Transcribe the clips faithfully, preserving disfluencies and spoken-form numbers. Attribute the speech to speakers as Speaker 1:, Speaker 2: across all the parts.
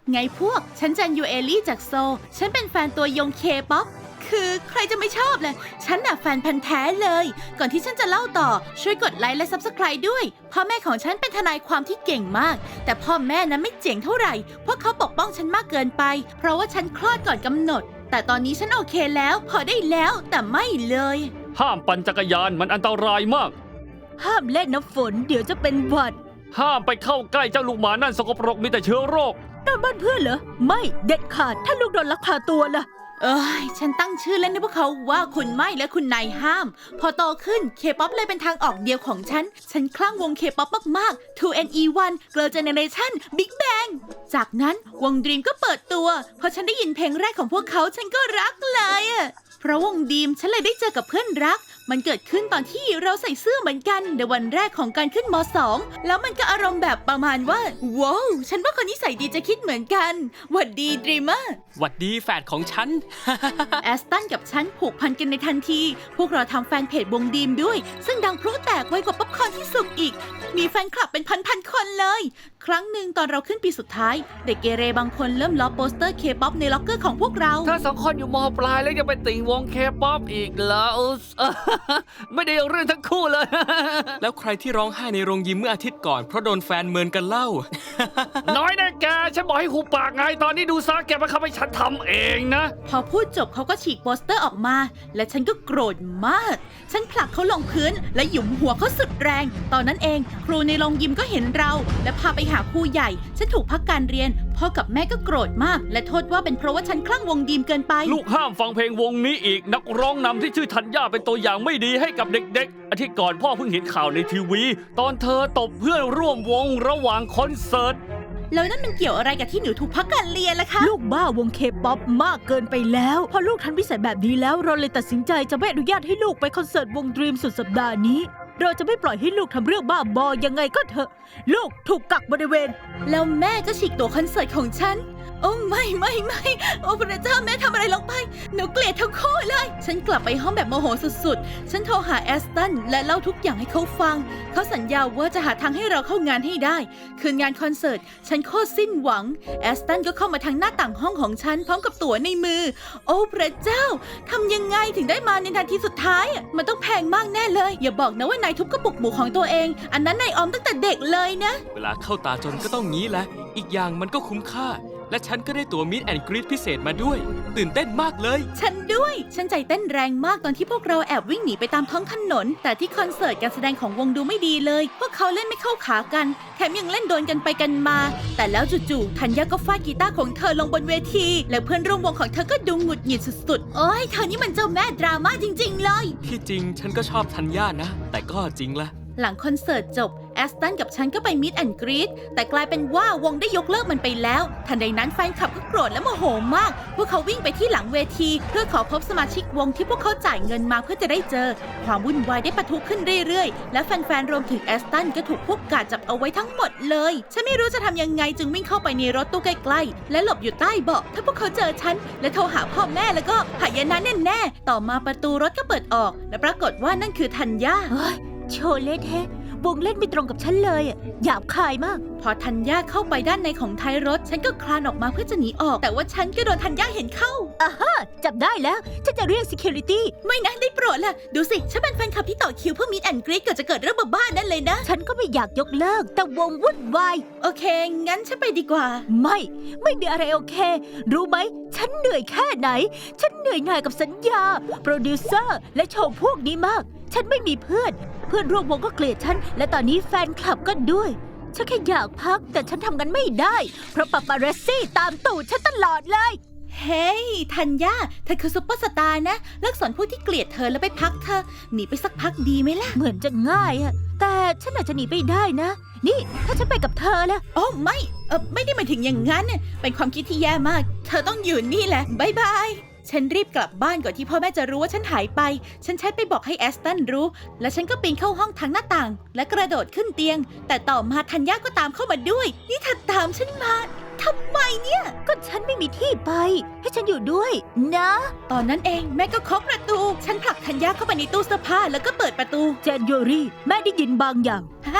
Speaker 1: ไงพวกฉันจันยูเอลี่จากโซลฉันเป็นแฟนตัวยงเคป๊อปคือใครจะไม่ชอบเลยฉันน่ะแฟนพันธุ์แท้เลยก่อนที่ฉันจะเล่าต่อช่วยกดไลค์และ ซับสไครบ์ ด้วยพ่อแม่ของฉันเป็นทนายความที่เก่งมากแต่พ่อแม่นั้นไม่เจ๋งเท่าไหร่เพราะเขาปกป้องฉันมากเกินไปเพราะว่าฉันคลอดก่อนกำหนดแต่ตอนนี้ฉันโอเคแล้วพอได้แล้วแต่ไม่เลย
Speaker 2: ห้ามปั่นจักรยานมันอันตรายมาก
Speaker 3: ห้ามเล่นน้ำฝนเดี๋ยวจะเป็นหวัด
Speaker 2: ห้ามไปเข้าใกล้เจ้าลูกหมานั่นสกปรกมีแต่เชื้อโรค
Speaker 3: นั่นบ้านเพื่อนเหรอไม่เด็ดขาดถ้าลูกโดนลักพาตัวล่ะ
Speaker 1: เอ้ยฉันตั้งชื่อเล่นให้พวกเขาว่าคุณไม่และคุณนายห้ามพอโตขึ้นเคป๊อปเลยเป็นทางออกเดียวของฉันฉันคลั่งวงเคป๊อปมากๆ ทู เอ็น อี วัน Girl Generation Big Bang จากนั้นวง Dream ก็เปิดตัวพอฉันได้ยินเพลงแรกของพวกเขาฉันก็รักเลยอะเพราะวง Dream ฉันเลยได้เจอกับเพื่อนรักมันเกิดขึ้นตอนที่เราใส่เสื้อเหมือนกันในวันแรกของการขึ้นม.สอง แล้วมันก็อารมณ์แบบประมาณว่าว้าวฉันว่าคนนิสัยดีจะคิดเหมือนกันหวัดดีดรีมเมอร์
Speaker 4: หวัดดีแฟดของฉัน
Speaker 1: แอสตันกับฉันผูกพันกันในทันทีพวกเราทำแฟนเพจวงดีมด้วยซึ่งดังพลุแตกไวกว่าป๊อปคอร์นที่สุกอีกมีแฟนคลับเป็นพันๆคนเลยครั้งหนึ่งตอนเราขึ้นปีสุดท้ายเด็กเกเรบางคนเริ่มล้อโปสเตอร์เคป๊อปในล็อกเกอร์ของพวกเรา
Speaker 2: ถ้าสองคนอยู่ม.ปลายแล้วยังไปติ่งวงเคป๊อปอีกเหรอไม่ได้เรื่องทั้งคู่เลย
Speaker 4: แล้วใครที่ร้องไห้ในโรงยิมเมื่ออาทิตย์ก่อนเพราะโดนแฟนเมินกันเล่า
Speaker 2: น้อยนะแกฉันบอกให้หูปากไงตอนนี้ดูซะแกมาเข้าไปฉันทำเองนะ
Speaker 1: พอพูดจบเขาก็ฉีกโปสเตอร์ออกมาและฉันก็โกรธมากฉันผลักเขาลงพื้นและหยุมหัวเขาสุดแรงตอนนั้นเองครูในโรงยิมก็เห็นเราและพาไปหาครูใหญ่ฉันถูกพักการเรียนพ่อกับแม่ก็โกรธมากและโทษว่าเป็นเพราะว่าฉันคลั่งวงดีมเกินไป
Speaker 2: ลูกห้ามฟังเพลงวงนี้อีกนักร้องนำที่ชื่อธัญญาเป็นตัวอย่างไม่ดีให้กับเด็กๆอาทิตย์ก่อนพ่อเพิ่งเห็นข่าวในทีวีตอนเธอตบเพื่อนร่วมวงระหว่างคอนเสิร์ต
Speaker 1: แล้วนั่นมันเกี่ยวอะไรกับที่หนูถูกพักการเรียนล่ะคะ
Speaker 3: ลูกบ้าวงเคป๊อปมากเกินไปแล้วพอลูกทันวิสัยแบบนี้แล้วเราเลยตัดสินใจจะไม่อนุญาตให้ลูกไปคอนเสิร์ตวงดรีมสุดสัปดาห์นี้เราจะไม่ปล่อยให้ลูกทำเรื่องบ้าบอยังไงก็เถอะลูกถูกกักบริเวณ
Speaker 1: แล้วแม่ก็ฉีกตั๋วคอนเสิร์ตของฉันโอ้ไม่ไม่ไม่โอ้พระเจ้าแม่ทำอะไรลงไปหนูเกลียดทั้งคู่เลยฉันกลับไปห้องแบบโมโหสุดๆฉันโทรหาแอสตันและเล่าทุกอย่างให้เขาฟังเขาสัญญาว่าจะหาทางให้เราเข้างานให้ได้คืนงานคอนเสิร์ตฉันโคตรสิ้นหวังแอสตันก็เข้ามาทางหน้าต่างห้องของฉันพร้อมกับตั๋วในมือโอ้พระเจ้าทำยังไงถึงได้มาในนาทีสุดท้ายมันต้องแพงมากแน่เลยอย่าบอกนะว่านายทุบกระปุกหมูของตัวเองอันนั้นนายออมตั้งแต่เด็กเลยนะ
Speaker 4: เวลาเข้าตาจนก็ต้องงี้แหละอีกอย่างมันก็คุ้มค่าและฉันก็ได้ตั๋วมิดแอนด์กรีดพิเศษมาด้วยตื่นเต้นมากเลย
Speaker 1: ฉันด้วยฉันใจเต้นแรงมากตอนที่พวกเราแอบวิ่งหนีไปตามท้องถนนแต่ที่คอนเสิร์ตการแสดงของวงดูไม่ดีเลยพวกเขาเล่นไม่เข้าขากันแถมยังเล่นโดนกันไปกันมาแต่แล้วจู่ๆธัญญาก็ฟาดกีตาร์ของเธอลงบนเวทีและเพื่อนร่วมวงของเธอก็ดูหงุดหงิดสุดๆโอ้ยเธอนี่มันเจ้าแม่ดราม่าจริงๆเลย
Speaker 4: ที่จริงฉันก็ชอบธัญญานะแต่ก็จริงละ
Speaker 1: หลังคอนเสิร์ตจบแอสตันกับฉันก็ไปมิดแอนด์กรีดแต่กลายเป็นว่าวงได้ยกเลิกมันไปแล้วทันใดนั้นแฟนคลับก็โกรธและโมโหมากพวกเขาวิ่งไปที่หลังเวทีเพื่อขอพบสมาชิกวงที่พวกเขาจ่ายเงินมาเพื่อจะได้เจอความวุ่นวายได้ปะทุขึ้นเรื่อยๆและแฟนๆรวมถึงแอสตันก็ถูกพวกกาดจับเอาไว้ทั้งหมดเลยฉันไม่รู้จะทำยังไงจึงวิ่งเข้าไปในรถตู้ใกล้ๆและหลบอยู่ใต้เบาะถ้าพวกเขาเจอฉันและโทรหาพ่อแม่แล้วก็หายนะแน่ๆต่อมาประตูรถก็เปิดออกและปรากฏว่านั่นคือธัญญา
Speaker 3: โชว์เล่นแฮะวงเล่นไม่ตรงกับฉันเลยอ่ะหยาบคายมาก
Speaker 1: พอธัญญาเข้าไปด้านในของท้ายรถฉันก็คลานออกมาเพื่อจะหนีออกแต่ว่าฉันก็โดนธัญญาเห็นเข้า
Speaker 3: อ่าฮะจับได้แล้วฉันจะเรียก security
Speaker 1: ไม่นะได้โปรดล่ะดูสิฉันเป็นแฟนคลับที่ต่อคิวเพื่อมิดแอนด์กรีดเกิดจะเกิดเรื่องบ้าๆนั่นเลยนะ
Speaker 3: ฉันก็ไม่อยากยกเลิกแต่วงวุ่นวาย
Speaker 1: โอเคงั้นฉันไปดีกว่า
Speaker 3: ไม่ไม่มีอะไรโอเครู้ไหมฉันเหนื่อยแค่ไหนฉันเหนื่อยหน่ายกับสัญญาโปรดิวเซอร์และโชว์พวกนี้มากฉันไม่มีเพื่อนเพื่อนร่วมวงก็เกลียดฉันและตอนนี้แฟนคลับก็ด้วยฉันแค่อยากพักแต่ฉันทำกันไม่ได้เพราะปาปารัสซี่ตามตูดฉันตลอดเลย
Speaker 1: เฮ้ยธัญญาเธอคือซุปเปอร์สตาร์นะเลิกสอนพวกที่เกลียดเธอแล้วไปพักเธอหนีไปสักพักดีไหมล่ะ
Speaker 3: เหมือนจะง่ายอะแต่ฉันอาจจะหนีไปได้นะนี่ถ้าฉันไปกับเธอล่ะ
Speaker 1: โอ้ไม่เออไม่ได้หมายถึงอย่างนั้นเป็นความคิดที่แย่มากเธอต้องอยู่นี่แหละบายบายฉันรีบกลับบ้านก่อนที่พ่อแม่จะรู้ว่าฉันหายไปฉันแชทไปบอกให้แอสตันรู้และฉันก็ปีนเข้าห้องทางหน้าต่างและกระโดดขึ้นเตียงแต่ต่อมาธัญญาก็ตามเข้ามาด้วยนี่เธอตามฉันมาทำไมเนี่ย
Speaker 3: ก็ฉันไม่มีที่ไปให้ฉันอยู่ด้วยนะ
Speaker 1: ตอนนั้นเองแม่ก็เคาะประตูฉันผลักธัญญาเข้าไปในตู้เสื้อผ้าแล้วก็เปิดประตู
Speaker 3: เจนยูรี่แม่ได้ยินบางอย่าง
Speaker 1: ฮะ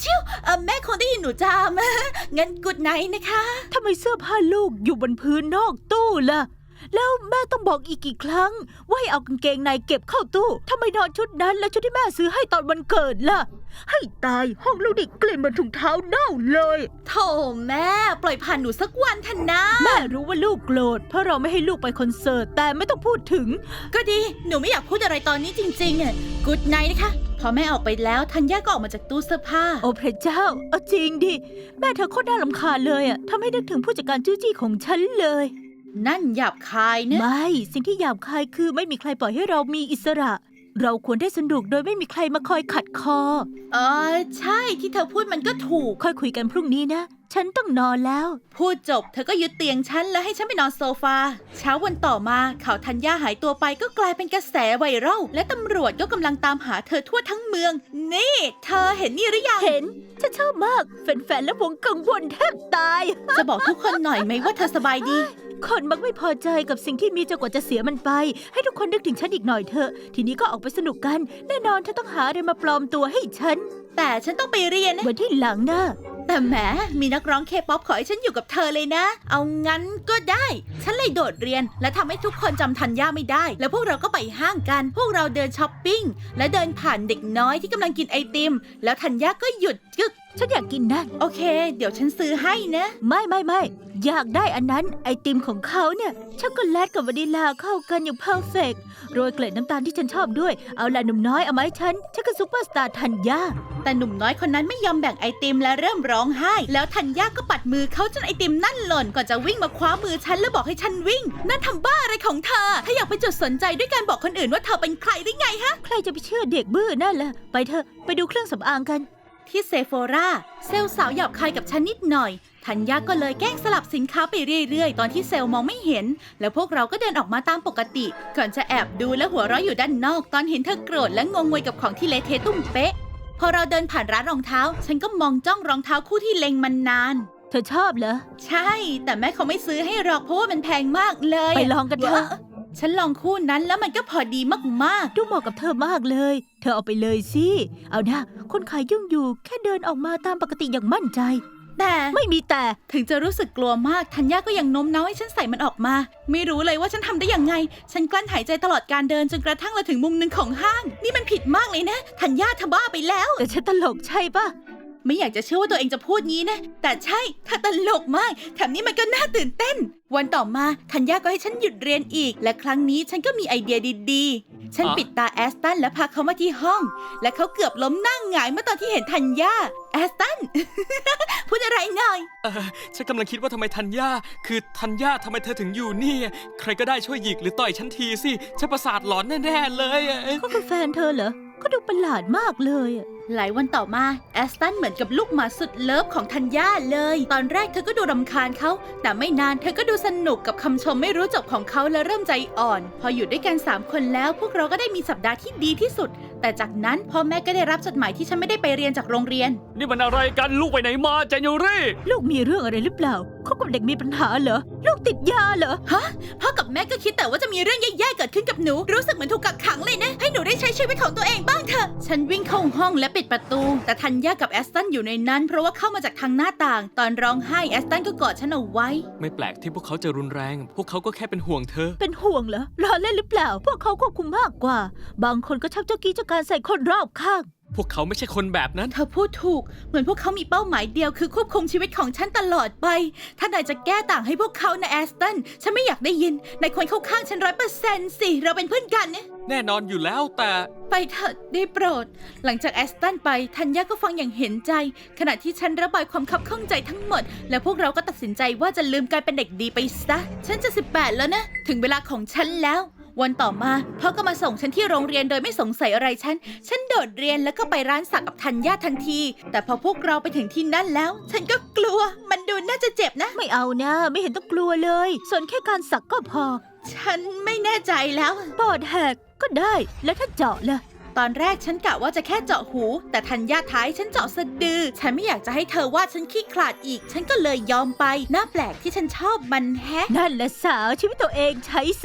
Speaker 1: ชิวเออแม่คงได้ยินหนูจาม งั้นกุดไนท์นะคะ
Speaker 3: ทำไมเสื้อผ้าลูกอยู่บนพื้นนอกตู้ล่ะ แล้วแม่ต้องบอกอีกกี่ครั้ง ว่าให้เอากางเกงในเก็บเข้าตู้ทำไมนอนชุดนั้นแล้วชุดที่แม่ซื้อให้ตอนวันเกิดล่ะ ให้ตายห้องลูกดิกลิ่นเหมือนถุงเท้าเน่าเลย
Speaker 1: โถแม่ปล่อยผ่านหนูสักวันเถอะนะ
Speaker 3: แม่รู้ว่าลูกโกรธเพราะเราไม่ให้ลูกไปคอนเสิร์ตแต่ไม่ต้องพูดถึง
Speaker 1: ก็ดีหนูไม่อยากพูดอะไรตอนนี้จริงๆอ่ะกุดไนท์นะคะพอแม่ออกไปแล้วธัญญาก็ออกมาจากตู้เสื้อผ้า
Speaker 3: โอ้พระเจ้าเอาจริงดิแม่เธอโคตรน่ารำคาญเลยอ่ะทำให้นึกถึงผู้จัดการจู้จี้ของฉันเลย
Speaker 1: นั่นหยาบคายนะ
Speaker 3: ไม่สิ่งที่หยาบคายคือไม่มีใครปล่อยให้เรามีอิสระ เราควรได้สนุกโดยไม่มีใครมาคอยขัดคอ
Speaker 1: เออใช่ที่เธอพูดมันก็ถูก
Speaker 3: ค่อยคุยกันพรุ่งนี้นะ ฉันต้องนอนแล้ว
Speaker 1: พูดจบเธอก็ยึดเตียงฉันแล้วให้ฉันไปนอนโซฟาเช้าวันต่อมาข่าวธัญญาหายตัวไปก็กลายเป็นกระแสไวรัลและตำรวจก็กำลังตามหาเธอทั่วทั้งเมือง นี่ เธอเห็นนี่หรือยัง
Speaker 3: เห็น ฉันชอบมากแฟนๆและวงกังวลแทบตาย
Speaker 1: จะบอกทุกคนหน่อยไหมว่าเธอสบายดี
Speaker 3: คนมักไม่พอใจกับสิ่งที่มีจนกว่าจะเสียมันไป ให้ทุกคนนึกถึงฉันอีกหน่อยเถอะ ทีนี้ก็ออกไปสนุกกัน แน่นอนเธอต้องหาอะไรมาปลอมตัวให้ฉัน
Speaker 1: แต่ฉันต้องไปเรียนนะ
Speaker 3: วันที่หลังนะ
Speaker 1: แต่แหมมีนักร้องเคป๊อปขอให้ฉันอยู่กับเธอเลยนะ เอางั้นก็ได้ ฉันเลยโดดเรียนและทำให้ทุกคนจำธัญญาไม่ได้ แล้วพวกเราก็ไปห้างกัน พวกเราเดินช้อปปิ้งและเดินผ่านเด็กน้อยที่กำลังกินไอติม แล้วธัญญาก็หยุดกึก
Speaker 3: ฉันอยากกินนั่น
Speaker 1: โอเค เดี๋ยวฉันซื้อให้นะ
Speaker 3: ไม่ไม่ไม่อยากได้อันนั้นไอติมของเขาเนี่ยช็อกโกแลตกับวานิลลาเข้ากันอย่างเพอร์เฟกต์โรยเกล็ดน้ำตาลที่ฉันชอบด้วยเอาล่ะหนุ่มน้อยเอาไหมาให้ฉันฉันคือซุปเปอร์สตาร์ธัญญา
Speaker 1: แต่หนุ่มน้อยคนนั้นไม่ยอมแบ่งไอติมและเริ่มร้องไห้ แล้วธัญญาก็ปัดมือเขาจนไอติมนั่นหล่นก่อนจะวิ่งมาคว้ามือฉันแล้วบอกให้ฉันวิ่ง นั่นทำบ้าอะไรของเธอถ้าอยากไปจุดสนใจด้วยการบอกคนอื่นว่าเธอเป็นใครได้ไงฮะ
Speaker 3: ใครจะไปเชื่อเด็กบื้อนั่นล่ะไปเถอะไปดูเครื่องสำอางกัน
Speaker 1: ที่เซโฟราเซลล์สาวหยาบคายกับฉันนิดหน่อยธัญญาก็เลยแกล้งสลับสินค้าไปเรื่อยๆ ตอนที่เซลล์มองไม่เห็น แล้วพวกเราก็เดินออกมาตามปกติ ก่อนจะแอบดูและหัวเราะอยู่ด้านนอก ตอนเห็นเธอโกรธและงงงวยกับของที่เละเทะตุ้มเป๊ะ พอเราเดินผ่านร้านรองเท้า ฉันก็มองจ้องรองเท้าคู่ที่เล็งมันนาน
Speaker 3: เธอชอบเหรอ
Speaker 1: ใช่ แต่แม่เขาไม่ซื้อให้หรอกเพราะว่ามันแพงมากเลย
Speaker 3: ไปลองกันเถอะ
Speaker 1: ฉันลองคู่นั้นแล้วมันก็พอดีมากๆ
Speaker 3: ดูเหมาะกับเธอมากเลย เธอเอาไปเลยสิเอานะคนขายยุ่งอยู่แค่เดินออกมาตามปกติอย่างมั่นใจ
Speaker 1: แต่
Speaker 3: ไม่มีแต่
Speaker 1: ถึงจะรู้สึกกลัวมากธัญญาก็ยังโน้มน้าวให้ฉันใส่มันออกมา ไม่รู้เลยว่าฉันทำได้ยังไง ฉันกลั้นหายใจตลอดการเดินจนกระทั่งเราถึงมุมหนึ่งของห้าง นี่มันผิดมากเลยนะธัญญาเธอบ้าไปแล้ว
Speaker 3: แต่ฉันตลกใช่ปะ
Speaker 1: ไม่อยากจะเชื่อว่าตัวเองจะพูดงี้นะ แต่ใช่เธอตลกมากแถมนี้มันก็น่าตื่นเต้น วันต่อมาธัญญาก็ให้ฉันหยุดเรียนอีก และครั้งนี้ฉันก็มีไอเดียดีๆ ฉัน
Speaker 4: อ๋อ
Speaker 1: ปิดตาแอสตันและพาเขามาที่ห้อง และเขาเกือบล้มนั่งหงายเมื่อตอนที่เห็นธัญญาแอสตัน พูดอะไรหน่อย
Speaker 4: เออฉันกำลังคิดว่าทำไมธัญญาคือธัญญาทำไมเธอถึงอยู่นี่ ใครก็ได้ช่วยหยิกหรือต่อยฉันทีสิฉันประสาทหลอนแน่ๆเลยอะ
Speaker 3: ก็คือแฟนเธอเหรอ ก็ดูประหลาดมากเลยอะ
Speaker 1: หลายวันต่อมาแอสตันเหมือนกับลูกหมาสุดเลิฟของธัญญาเลย ตอนแรกเธอก็ดูรำคาญเขา แต่ไม่นานเธอก็ดูสนุกกับคำชมไม่รู้จบของเขาและเริ่มใจอ่อน พออยู่ด้วยกันสามคนแล้ว พวกเราก็ได้มีสัปดาห์ที่ดีที่สุด แต่จากนั้นพ่อแม่ก็ได้รับจดหมายที่ฉันไม่ได้ไปเรียนจากโรงเรียน
Speaker 2: นี่มันอะไรกันลูกไปไหนมาเจนยูรี่
Speaker 3: ลูกมีเรื่องอะไรหรือเปล่าเขากับเด็กมีปัญหาเหรอ ลูกติดยาเหรอ
Speaker 1: ฮะพ่อกับแม่ก็คิดแต่ว่าจะมีเรื่องแย่ๆเกิดขึ้นกับหนู รู้สึกเหมือนถูกกักขังเลยนะ ให้หนูได้ใช้ชีวิตของตัวเองบ้างเถอะ ฉันวิ่งเข้าห้องและปิดประตู แต่ธัญญากับแอสตันอยู่ในนั้นเพราะว่าเข้ามาจากทางหน้าต่าง ตอนร้องไห้แอสตันก็กอดฉันเอาไว้
Speaker 4: ไม่แปลกที่พวกเขาจะรุนแรง พวกเขาก็แค่เป็นห่วงเธอ
Speaker 3: เป็นห่วงเหรอล้อเล่นหรือเปล่า พวกเขาควบคุมมากกว่า บางคนก็ชอบเจ้ากี้เจ้าการใส่คนรอบข้าง
Speaker 4: พวกเขาไม่ใช่คนแบบนั้น
Speaker 1: เธอพูดถูก เหมือนพวกเขามีเป้าหมายเดียวคือควบคุมชีวิตของฉันตลอดไป ถ้านายจะแก้ต่างให้พวกเขานะแอสตัน ฉันไม่อยากได้ยิน นายควรเข้าข้างฉันร้อยเปอร์เซ็นต์สิ เราเป็นเพื่อนกันเนี่ย
Speaker 4: แน่นอนอยู่แล้วแต่
Speaker 1: ไปเถอะได้โปรด หลังจากแอสตันไปธัญญาก็ฟังอย่างเห็นใจ ขณะที่ฉันระบายความคับข้องใจทั้งหมด และพวกเราก็ตัดสินใจว่าจะลืมการเป็นเด็กดีไปซะ ฉันจะสิบแปดแล้วนะ ถึงเวลาของฉันแล้ว วันต่อมาพ่อก็มาส่งฉันที่โรงเรียนโดยไม่สงสัยอะไรฉัน ฉันโดดเรียนแล้วก็ไปร้านสักกับธัญญาทันที แต่พอพวกเราไปถึงที่นั่นแล้ว ฉันก็กลัว มันดูน่าจะเจ็บนะ
Speaker 3: ไม่เอานะ ไม่เห็นต้องกลัวเลยส่วนแค่การสักก็พอ
Speaker 1: ฉันไม่แน่ใจแล้ว
Speaker 3: ปอดแหกก็ได้ แล้วถ้าเจาะล่ะ
Speaker 1: ตอนแรกฉันกะว่าจะแค่เจาะหู แต่ธัญญาท้ายฉันเจาะสะดือ ฉันไม่อยากจะให้เธอว่าฉันขี้ขลาดอีก ฉันก็เลยยอมไป น่าแปลกที่ฉันชอบมันแฮะ
Speaker 3: นั่นแหละสาวชีวิตตัวเองใช้ซะ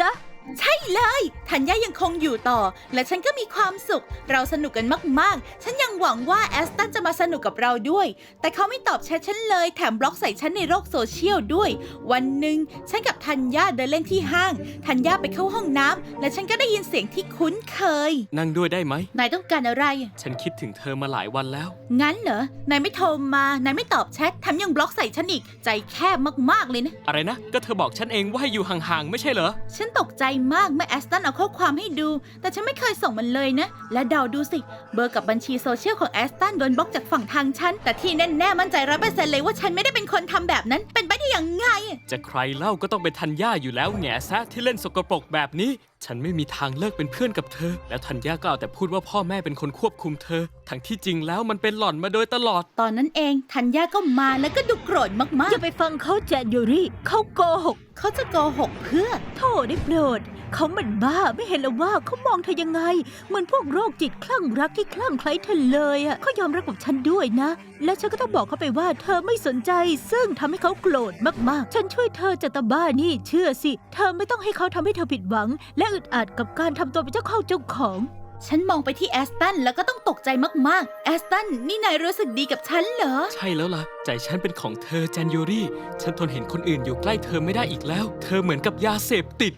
Speaker 1: ใช่เลยธัญญายังคงอยู่ต่อและฉันก็มีความสุขเราสนุกกันมากๆฉันยังหวังว่าแอสตันจะมาสนุกกับเราด้วยแต่เขาไม่ตอบแชทฉันเลยแถมบล็อกใส่ฉันในโลกโซเชียลด้วยวันหนึ่งฉันกับธัญญาเดินเล่นที่ห้างธัญญาไปเข้าห้องน้ำและฉันก็ได้ยินเสียงที่คุ้นเคย
Speaker 4: นั่งด้วยได้ไหม
Speaker 1: นายต้องการอะไร
Speaker 4: ฉันคิดถึงเธอมาหลายวันแล้ว
Speaker 1: งั้นเหรอนายไม่โทรมานายไม่ตอบแชทแถมยังบล็อกใส่ฉันอีกใจแคบมากๆเลยนะ
Speaker 4: อะไรนะ ก็เธอบอกฉันเองว่าให้อยู่ห่างๆไม่ใช่เหรอ
Speaker 1: ฉันตกใจมากเมื่อแอสตันเอาข้อความให้ดูแต่ฉันไม่เคยส่งมันเลยนะและเดาดูสิเบอร์กับบัญชีโซเชียลของแอสตันโดนบล็อกจากฝั่งทางฉันแต่ที่แน่ๆมั่นใจร้อยเปอร์เซ็นต์เลยว่าฉันไม่ได้เป็นคนทำแบบนั้นเป็นไปได้ยังไง
Speaker 4: จะใครเล่าก็ต้องเป็นธัญญาอยู่แล้วแง่ซะที่เล่นสกปรกแบบนี้ ฉันไม่มีทางเลิกเป็นเพื่อนกับเธอ แล้วธัญญาก็เอาแต่พูดว่าพ่อแม่เป็นคนควบคุมเธอ ทั้งที่จริงแล้วมันเป็นหล่อนมาโดยตลอด
Speaker 1: ตอนนั้นเองธัญญาก็มาแล้วก็ดูโกรธมา
Speaker 3: อก ย่าไปฟังเขาแจนยูรี่เขาโกหก
Speaker 1: ๆเขาจะโกหกเพื่อ
Speaker 3: โธ่ได้โปรดเขาเหมือนบ้าไม่เห็นหรอว่าเขามองเธอยังไงเหมือนพวกโรคจิตคลั่งรักที่คลั่งไคล้เธอเลยอ่ะเขายอมรับกับฉันด้วยนะ และฉันก็ต้องบอกเขาไปว่าเธอไม่สนใจ ซึ่งทำให้เขาโกรธมากๆฉันช่วยเธอจากตาบ้านี่เชื่อสิเธอไม่ต้องให้เขาทำให้เธอผิดหวัง และอึดอัดกับการทำตัวเป็นเจ้าเข้าเจ้าของ
Speaker 1: ฉันมองไปที่แอสตันแล้วก็ต้องตกใจมากๆแอสตันนี่นายรู้สึกดีกับฉันเหรอ
Speaker 4: ใช่แล้วล่ะ ใจฉันเป็นของเธอแจนยูรี่ ฉันทนเห็นคนอื่นอยู่ใกล้เธอไม่ได้อีกแล้ว เธอเหมือนกับยาเสพติด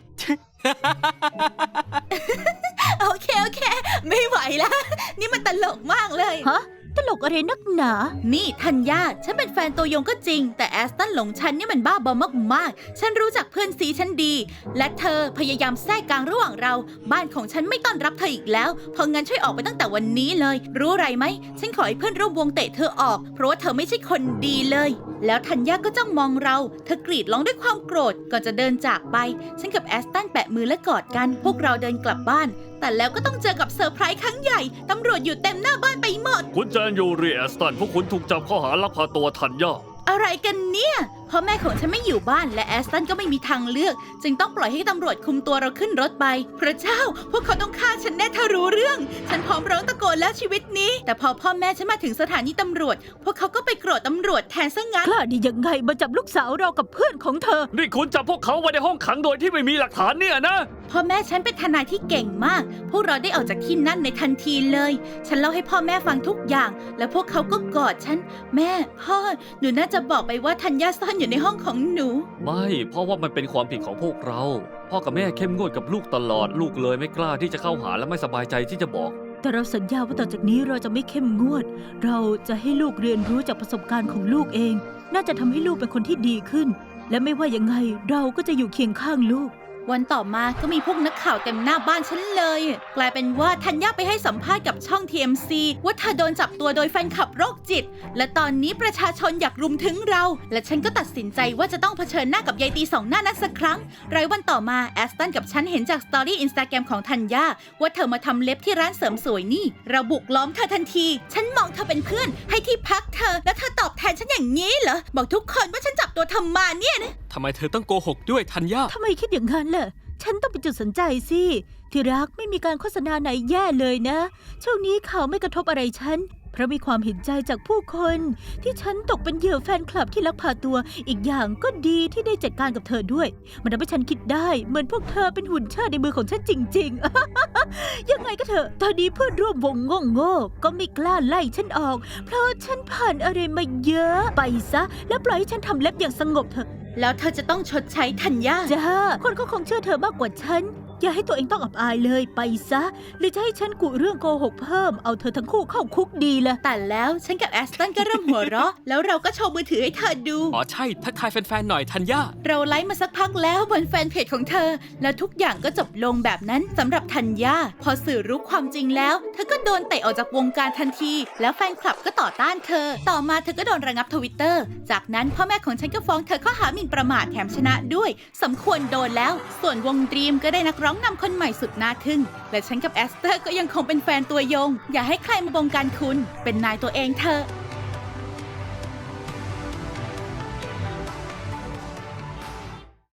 Speaker 1: โอเคโอเค ไม่ไหวแล้วนี่มันตลกมากเลย
Speaker 3: ฮะตลกอะไรนักหนา
Speaker 1: นี่ธัญญาฉันเป็นแฟนตัวยงก็จริง แต่แอสตันหลงฉันเนี่ยมันบ้าบอมากๆฉันรู้จักเพื่อนซีฉันดี และเธอพยายามแทรกกลางระหว่างเรา บ้านของฉันไม่ต้อนรับเธออีกแล้วเพราะงั้นช่วยออกไปตั้งแต่วันนี้เลย รู้อะไรไหมฉันขอให้เพื่อนร่วมวงเตะเธอออกเพราะว่าเธอไม่ใช่คนดีเลย แล้วธัญญาก็จ้องมองเราเธอกรีดร้องด้วยความโกรธก่อนจะเดินจากไปฉันกับแอสตันแปะมือและกอดกันพวกเราเดินกลับบ้านแต่แล้วก็ต้องเจอกับเซอร์ไพรส์ครั้งใหญ่ตำรวจอยู่เต็มหน้าบ้านไปหมด
Speaker 2: คุณแจนยูรีแอสตันพวกคุณถูกจับข้อหาลักพาตัวธัญญา
Speaker 1: อะไรกันเนี่ยพ่อแม่ของฉันไม่อยู่บ้านและแอสตันก็ไม่มีทางเลือกจึงต้องปล่อยให้ตำรวจคุมตัวเราขึ้นรถไปพระเจ้าพวกเขาต้องฆ่าฉันแน่ถ้ารู้เรื่องฉันพร้อมร้องตะโกนแล้วชีวิตนี้แต่พอพ่อแม่ฉันมาถึงสถานีตำรวจพวกเขาก็ไปโกรธตำรวจแทนซะงั้น
Speaker 3: กล้าดียังไงมาจับลูกสาวเรากับเพื่อนของเธอ
Speaker 2: นี่คุณจับพวกเขาไว้ในห้องขังโดยที่ไม่มีหลักฐานเนี่ยนะ
Speaker 1: พ่อแม่ฉันเป็นทนายที่เก่งมาก พวกเราได้ออกจากที่นั่นในทันทีเลย ฉันเล่าให้พ่อแม่ฟังทุกอย่าง และพวกเขาก็กอดฉัน แม่ พ่อ หนูน่าจะบอกไปว่าธัญญาซ่อนอยู่ในห้องของหนู
Speaker 2: ไม่เพราะว่ามันเป็นความผิดของพวกเรา พ่อกับแม่เข้มงวดกับลูกตลอดลูกเลยไม่กล้าที่จะเข้าหาและไม่สบายใจที่จะบอก
Speaker 3: แต่เราสัญญาว่าต่อจากนี้เราจะไม่เข้มงวด เราจะให้ลูกเรียนรู้จากประสบการณ์ของลูกเอง น่าจะทำให้ลูกเป็นคนที่ดีขึ้น และไม่ว่ายังไงเราก็จะอยู่เคียงข้างลูก
Speaker 1: วันต่อมาก็มีพวกนักข่าวเต็มหน้าบ้านฉันเลย กลายเป็นว่าธัญญาไปให้สัมภาษณ์กับช่อง ที เอ็ม ซี ว่าเธอโดนจับตัวโดยแฟนคลับโรคจิต และตอนนี้ประชาชนอยากรุมถึงเรา และฉันก็ตัดสินใจว่าจะต้องเผชิญหน้ากับยายตีสองหน้านั้นสักครั้งรายวันต่อมาแอสตันกับฉันเห็นจากสตอรี่อินสตาแกรมของธัญญาว่าเธอมาทำเล็บที่ร้านเสริมสวยนี่เราบุกล้อมเธอทันที ฉันมองเธอเป็นเพื่อนให้ที่พักเธอแล้วเธอตอบแทนฉันอย่างนี้เหรอบอกทุกคนว่าฉันจับตัวเธอมาเนี่ยนะ
Speaker 4: ทำไมเธอต้องโกหกด้วยธัญญา
Speaker 3: ทำไมคิดอย่างนั้นล่ะ ฉันต้องเป็นจุดสนใจสิ ที่รักไม่มีการโฆษณาไหนแย่เลยนะ ช่วงนี้ข่าวไม่กระทบอะไรฉัน เพราะมีความเห็นใจจากผู้คน ที่ฉันตกเป็นเหยื่อแฟนคลับที่ลักพาตัว อีกอย่างก็ดีที่ได้จัดการกับเธอด้วย มันทำให้ฉันคิดได้เหมือนพวกเธอเป็นหุ่นเชิดในมือของฉันจริงๆ ยังไงก็เถอะ ตอนนี้เพื่อนร่วมวงโง่ๆก็ไม่กล้าไล่ฉันออก เพราะฉันผ่านอะไรมาเยอะ ไปซะ แล้วปล่อยให้ฉันทำเล็บอย่างสงบเถอะ
Speaker 1: แล้วเธอจะต้องชดใช้ธัญญา
Speaker 3: จ้าคนก็คงเชื่อเธอมากกว่าฉัน อย่าให้ตัวเองต้องอับอายเลยไปซะ หรือจะให้ฉันกุเรื่องโกหกเพิ่มเอาเธอทั้งคู่เข้าคุกดีละ
Speaker 1: แต่แล้วฉันกับแอสตันก็เริ่มหัวเราะ แล้วเราก็โชว์มือถือให้เธอดู
Speaker 4: อ๋อใช่ ทักทายแฟนๆหน่อยธัญญา
Speaker 1: เราไลฟ์มาสักพักแล้วบนแฟนเพจของเธอ แล้วทุกอย่างก็จบลงแบบนั้นสำหรับธัญญาพอสื่อรู้ความจริงแล้ว เธอก็โดนเตะออกจากวงการทันที แล้วแฟนคลับก็ต่อต้านเธอ ต่อมาเธอก็โดนระงับทวิตเตอร์จากนั้นพ่อแม่ของฉันก็ฟ้องเธอข้อหาหมิ่นประมาทแถมชนะด้วยสมควรโดนแล้ว ส่วนวงดรีมก็ได้นักร้องนำคนใหม่สุดน่าทึ่งและฉันกับแอสเตอร์ก็ยังคงเป็นแฟนตัวยงอย่าให้ใครมาบงการคุณเป็นนายตัวเองเธอ